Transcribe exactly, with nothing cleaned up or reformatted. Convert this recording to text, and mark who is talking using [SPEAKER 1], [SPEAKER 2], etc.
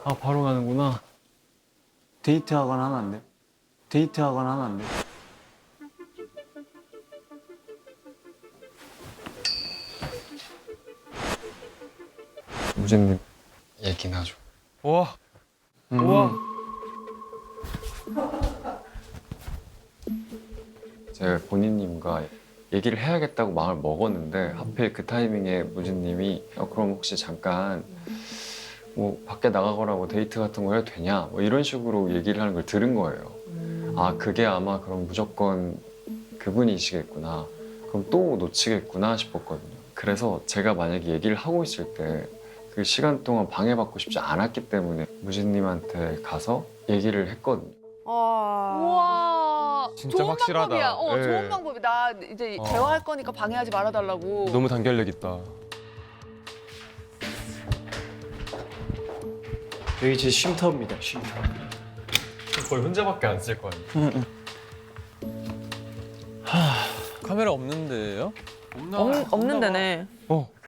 [SPEAKER 1] 아, 바로 가는구나.
[SPEAKER 2] 데이트하거나 하면 안 돼? 데이트하거나 하면 안 돼?
[SPEAKER 3] 무진님 얘기나 좀.
[SPEAKER 1] 우와.
[SPEAKER 2] 음.
[SPEAKER 1] 우와.
[SPEAKER 3] 제가 본인님과 얘기를 해야겠다고 마음을 먹었는데 하필 그 타이밍에 무진님이 어, 그럼 혹시 잠깐 뭐 밖에 나가거나 뭐 데이트 같은 거 해도 되냐 뭐 이런 식으로 얘기를 하는 걸 들은 거예요. 아 그게 아마 그럼 무조건 그분이시겠구나. 그럼 또 놓치겠구나 싶었거든요. 그래서 제가 만약에 얘기를 하고 있을 때 그 시간 동안 방해받고 싶지 않았기 때문에 무진님한테 가서 얘기를 했거든요.
[SPEAKER 4] 와.
[SPEAKER 5] 우와.
[SPEAKER 1] 진짜
[SPEAKER 5] 좋은
[SPEAKER 1] 확실하다.
[SPEAKER 5] 방법이야. 어,
[SPEAKER 1] 예.
[SPEAKER 5] 좋은 방법이. 나 이제
[SPEAKER 1] 어.
[SPEAKER 5] 대화할 거니까 방해하지 말아달라고.
[SPEAKER 1] 너무 단결력 있다.
[SPEAKER 2] 여기 제 쉼터입니다, 쉼터.
[SPEAKER 3] 거의 혼자밖에 안 쓸 거 아니에요.
[SPEAKER 1] 카메라 없는데요?
[SPEAKER 4] 없, 없는 데네.
[SPEAKER 1] 어.